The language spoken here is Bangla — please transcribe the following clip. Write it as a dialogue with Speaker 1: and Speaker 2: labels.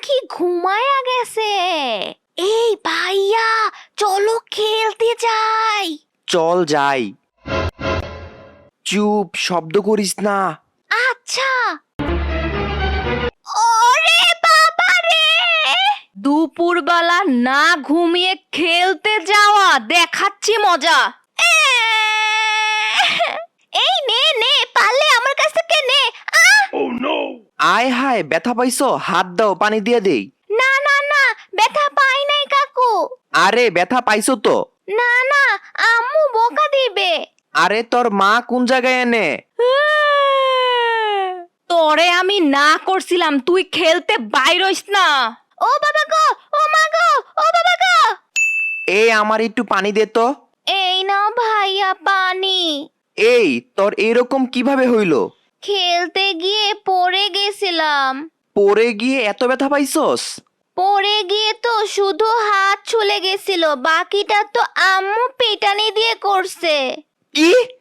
Speaker 1: দেখি ঘুমায়া গেছে। এই ভাইয়া, চলো খেলতে যাই।
Speaker 2: চল যাই। চুপ, শব্দ করিস না।
Speaker 1: আচ্ছা। ওরে বাবা রে, দুপুরবেলা না ঘুমিয়ে খেলতে যাওয়া, দেখাচ্ছি মজা। এই নে নে, পারলে আমার কাছ থেকে নে।
Speaker 2: আয় হায়, ব্যথা পাইছো? হাত দাও, পানি দিয়ে দেই।
Speaker 1: না না না, ব্যথা পাই নাই কাকু।
Speaker 2: আরে ব্যথা পাইছো তো?
Speaker 1: না না, আম্মু বকা দিবে।
Speaker 2: আরে তোর মা কোন জায়গায় এনে?
Speaker 1: তোরে আমি না করছিলাম তুই খেলতে বাইর হইস না। ও বাবা গো, ও মা গো, ও বাবা গো।
Speaker 2: এই আমার একটু পানি দে তো।
Speaker 1: এই নাও ভাইয়া পানি।
Speaker 2: এই তোর এরকম কিভাবে হইলো?
Speaker 1: খেলতে গিয়ে পড়ে গেছিলাম।
Speaker 2: পড়ে গিয়ে এত ব্যথা পাইছস?
Speaker 1: পড়ে গিয়ে তো শুধু হাত ছুলে গেছিল, বাকিটা তো আম্মু পেটানি দিয়ে করছে।
Speaker 2: কি?